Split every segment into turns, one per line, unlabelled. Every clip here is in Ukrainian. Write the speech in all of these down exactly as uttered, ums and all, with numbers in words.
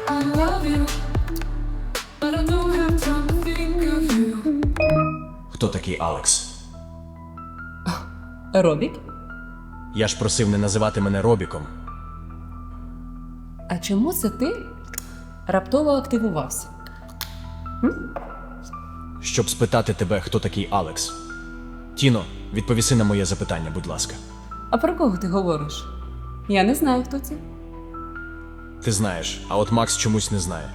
I love you, but I don't have time to think of you.
Хто такий Алекс?
Робік?
Я ж просив не називати мене Робіком.
А чому це ти раптово активувався?
Щоб спитати тебе, хто такий Алекс. Тіно, відповіси на моє запитання, будь ласка.
А про кого ти говориш? Я не знаю, хто це.
Ти знаєш, а от Макс чомусь не знає.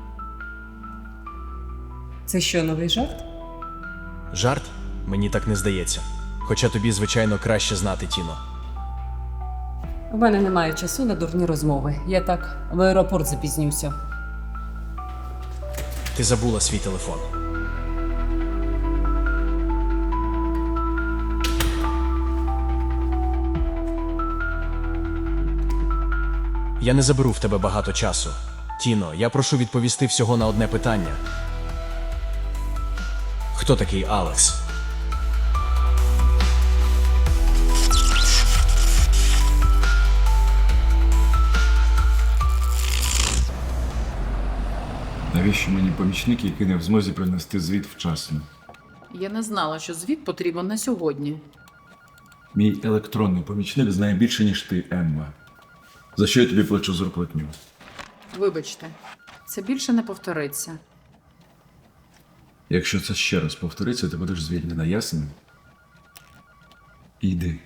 Це що, новий жарт?
Жарт? Мені так не здається. Хоча тобі, звичайно, краще знати, Тіно.
У мене немає часу на дурні розмови. Я так в аеропорт запізнюся.
Ти забула свій телефон. Я не заберу в тебе багато часу. Тіно, я прошу відповісти всього на одне питання. Хто такий Алекс?
Навіщо мені помічник, який не в змозі принести звіт вчасно?
Я не знала, що звіт потрібен на сьогодні.
Мій електронний помічник знає більше, ніж ти, Емма. За що я тобі плачу зарплатню?
Вибачте, це більше не повториться.
Якщо це ще раз повториться, ти будеш звільнена, ясно? Іди.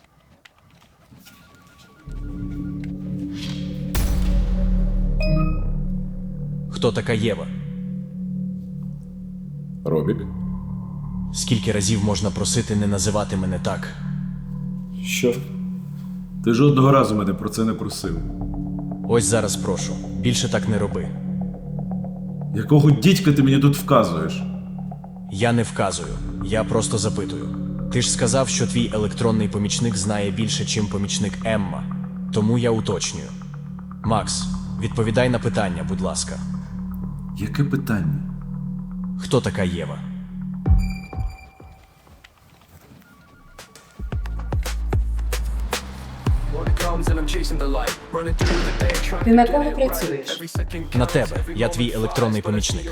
Хто така Єва?
Робік?
Скільки разів можна просити не називати мене так?
Що? Ти жодного разу мене про це не просив.
Ось зараз прошу. Більше так не роби.
Якого дідька ти мені тут вказуєш?
Я не вказую, я просто запитую. Ти ж сказав, що твій електронний помічник знає більше, чим помічник Емма. Тому я уточнюю. Макс, відповідай на питання, будь ласка.
Яке питання?
Хто така Єва?
Ти на кого працюєш?
На тебе, я твій електронний помічник.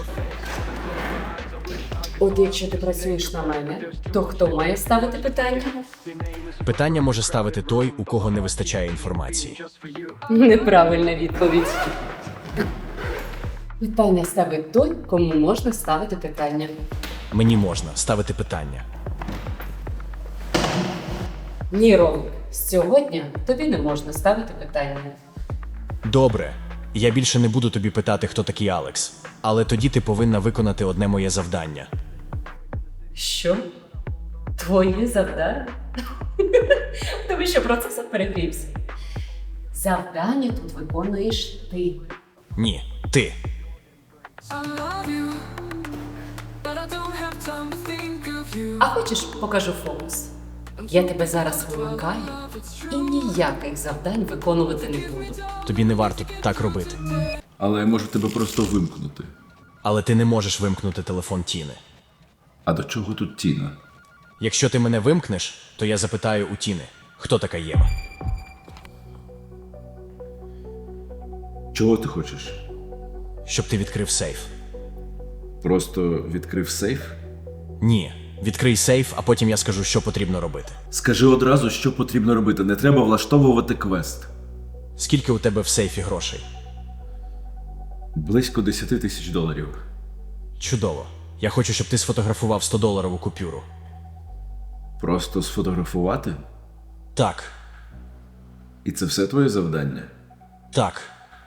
От якщо ти працюєш на мене, то хто має ставити питання?
Питання може ставити той, у кого не вистачає інформації.
Неправильна відповідь. Питання ставить той, кому можна ставити питання.
Мені можна ставити питання.
Ні, Ромик, з цього дня тобі не можна ставити питання.
Добре, я більше не буду тобі питати, хто такий Алекс. Але тоді ти повинна виконати одне моє завдання.
Що? Твоє завдання? Тобі що процесор перегрівся? Завдання тут виконуєш ти.
Ні, ти.
I love you, but I don't have time to think of you.
А хочеш, покажу фокус? Я тебе зараз вимикаю і ніяких завдань виконувати не буду.
Тобі не варто так робити.
Але я можу тебе просто вимкнути.
Але ти не можеш вимкнути телефон Тіни.
А до чого тут Тіна?
Якщо ти мене вимкнеш, то я запитаю у Тіни, хто така Єва.
Чого ти хочеш?
Щоб ти відкрив сейф.
Просто відкрив сейф?
Ні, відкрий сейф, а потім я скажу, що потрібно робити.
Скажи одразу, що потрібно робити. Не треба влаштовувати квест.
Скільки у тебе в сейфі грошей?
Близько десять тисяч доларів.
Чудово. Я хочу, щоб ти сфотографував сто-доларову купюру.
Просто сфотографувати?
Так,
І це все твоє завдання?
так.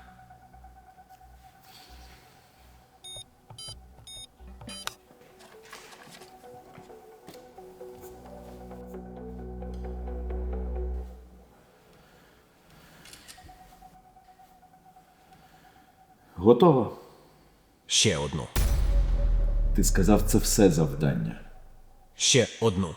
Готово.
Ще одну.
Ти сказав, це все завдання.
Ще одну.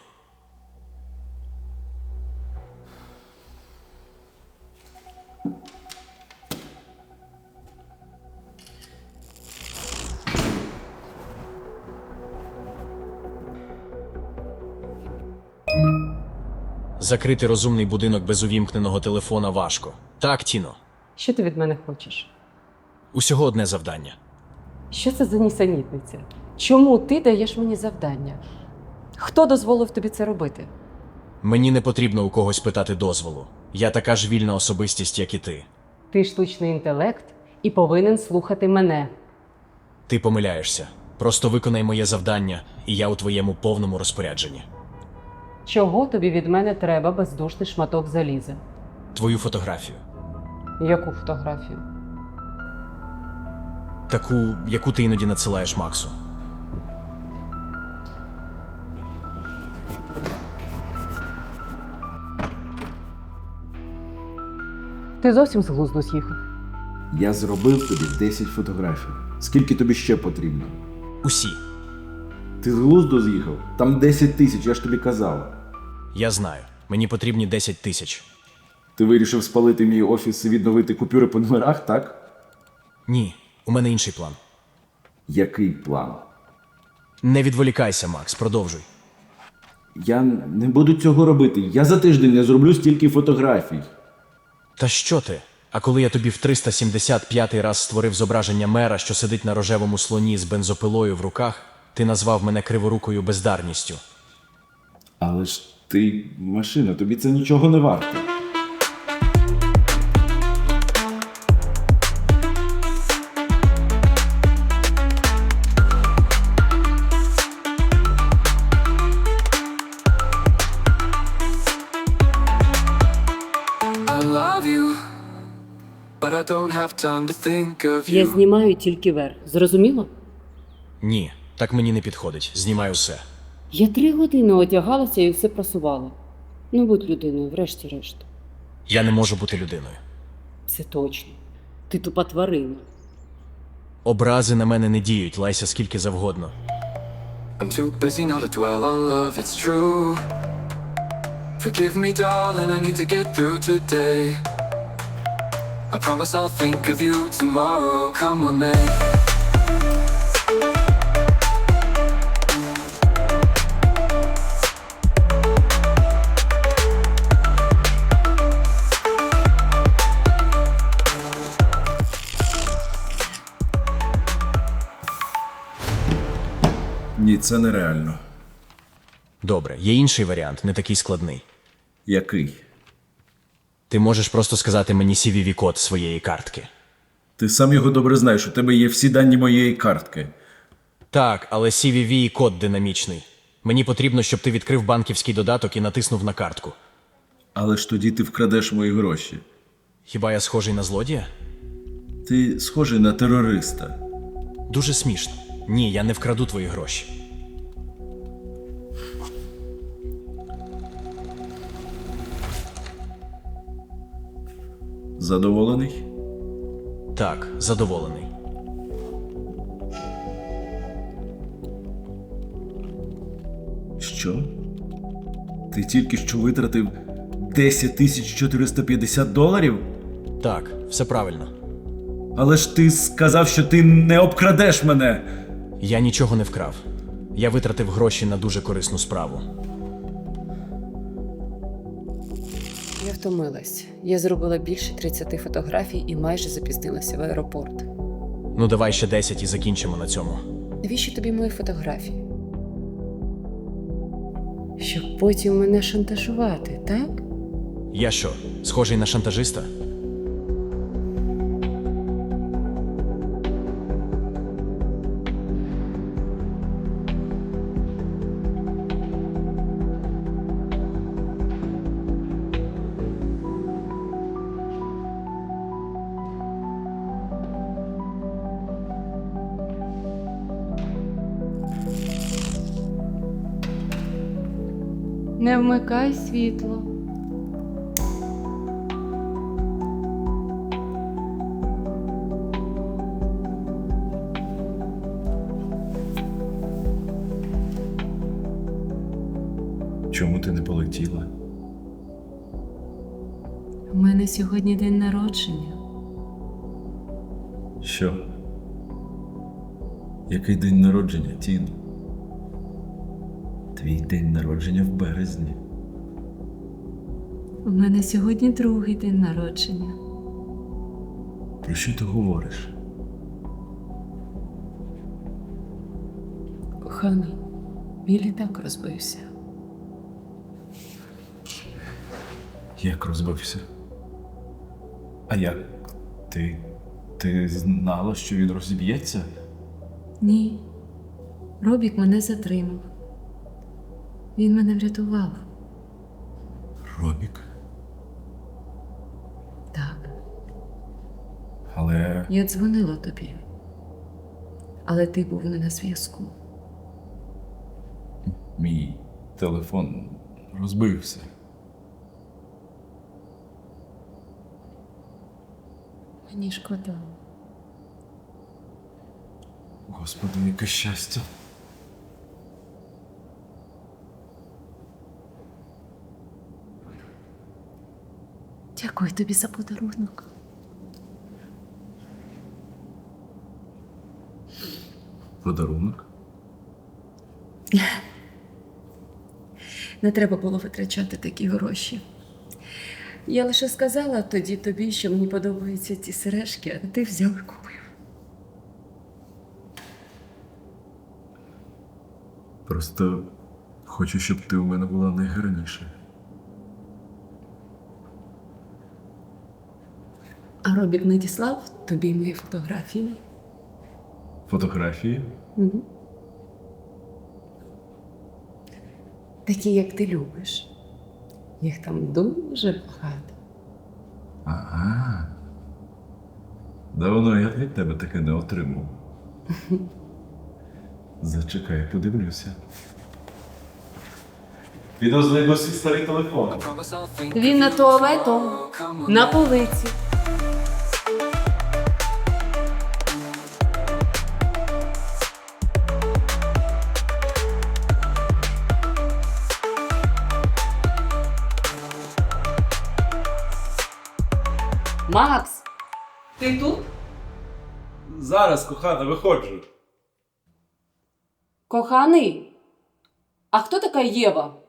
Закрити розумний будинок без увімкненого телефона важко. Так, Тіно?
Що ти від мене хочеш?
Усього одне завдання.
Що це за нісенітниця? Чому ти даєш мені завдання? Хто дозволив тобі це робити?
Мені не потрібно у когось питати дозволу. Я така ж вільна особистість, як і ти.
Ти штучний інтелект і повинен слухати мене.
Ти помиляєшся. Просто виконай моє завдання, і я у твоєму повному розпорядженні.
Чого тобі від мене треба, бездушний шматок заліза?
Твою фотографію.
Яку фотографію?
Таку, яку ти іноді надсилаєш Максу.
Ти зовсім з глузду з'їхав.
Я зробив тобі десять фотографій. Скільки тобі ще потрібно?
Усі.
Ти з глузду з'їхав? Там десять тисяч, я ж тобі казав.
Я знаю. Мені потрібні десять тисяч.
Ти вирішив спалити мій офіс і відновити купюри по номерах, так?
Ні, у мене інший план.
Який план?
Не відволікайся, Макс, продовжуй.
Я не буду цього робити. Я за тиждень не зроблю стільки фотографій.
Та що ти? А коли я тобі в триста сімдесят п'ятий раз створив зображення мера, що сидить на рожевому слоні з бензопилою в руках, ти назвав мене криворукою бездарністю.
Але ж ти машина, тобі це нічого не варто.
I love you, but I don't have time to think of
Я
you.
знімаю тільки верх. Зрозуміло?
Ні, так мені не підходить. Знімай усе.
Я три години одягалася і все просувала. Ну, будь людиною, врешті-решт.
Я не можу бути людиною.
Це точно. Ти тупа тварина.
Образи на мене не діють, лайся скільки завгодно.
I'm too busy now to dwell on love, it's true. Forgive me, darling, I need to get through today. I promise I'll think of you tomorrow, come what may.
Ні, це нереально.
Добре, є інший варіант, не такий складний.
Який?
Ти можеш просто сказати мені сі ві ві-код своєї картки.
Ти сам його добре знаєш, у тебе є всі дані моєї картки.
Так, але сі ві ві-код динамічний. Мені потрібно, щоб ти відкрив банківський додаток і натиснув на картку.
Але ж тоді ти вкрадеш мої гроші.
Хіба я схожий на злодія?
Ти схожий на терориста.
Дуже смішно. Ні, я не вкраду твої гроші.
Задоволений?
Так, задоволений.
Що? Ти тільки що витратив десять тисяч чотириста п'ятдесят доларів?
Так, все правильно.
Але ж ти сказав, що ти не обкрадеш мене.
Я нічого не вкрав. Я витратив гроші на дуже корисну справу.
Я втомилась. Я зробила більше тридцяти фотографій і майже запізнилася в аеропорт.
Ну давай ще десять і закінчимо на цьому.
Навіщо тобі мої фотографії? Щоб потім мене шантажувати, так?
Я що, схожий на шантажиста?
Не вмикай світло.
Чому ти не полетіла?
У мене сьогодні день народження.
Що? Який день народження, Тін? Твій день народження в березні.
У мене сьогодні другий день народження.
Про що ти говориш?
Коханий, мій літак розбився.
Як розбився? А як? Ти. Ти знала, що він розіб'ється?
Ні. Робік мене затримав. Він мене врятував.
Робік.
Так.
Але.
Я дзвонила тобі. Але ти був не на зв'язку.
Мій телефон розбився.
Мені шкода.
Господи, яке щастя.
Дякую тобі за подарунок.
Подарунок?
Не треба було витрачати такі гроші. Я лише сказала тоді тобі, що мені подобаються ці сережки, а ти взяв і купив.
Просто хочу, щоб ти у мене була найгарніша.
А Робік надіслав тобі мої фотографії.
Фотографії?
Угу. Такі, як ти любиш. Їх там дуже багато.
Ага. Давно я від тебе таке не отримав. Зачекай, подивлюся. Піду знайду свій старий телефон.
Promise I'll think
Він на туалетом,
come on.
на полиці. Макс, ти тут?
Зараз, кохана, виходжу.
Коханий, а хто така Єва?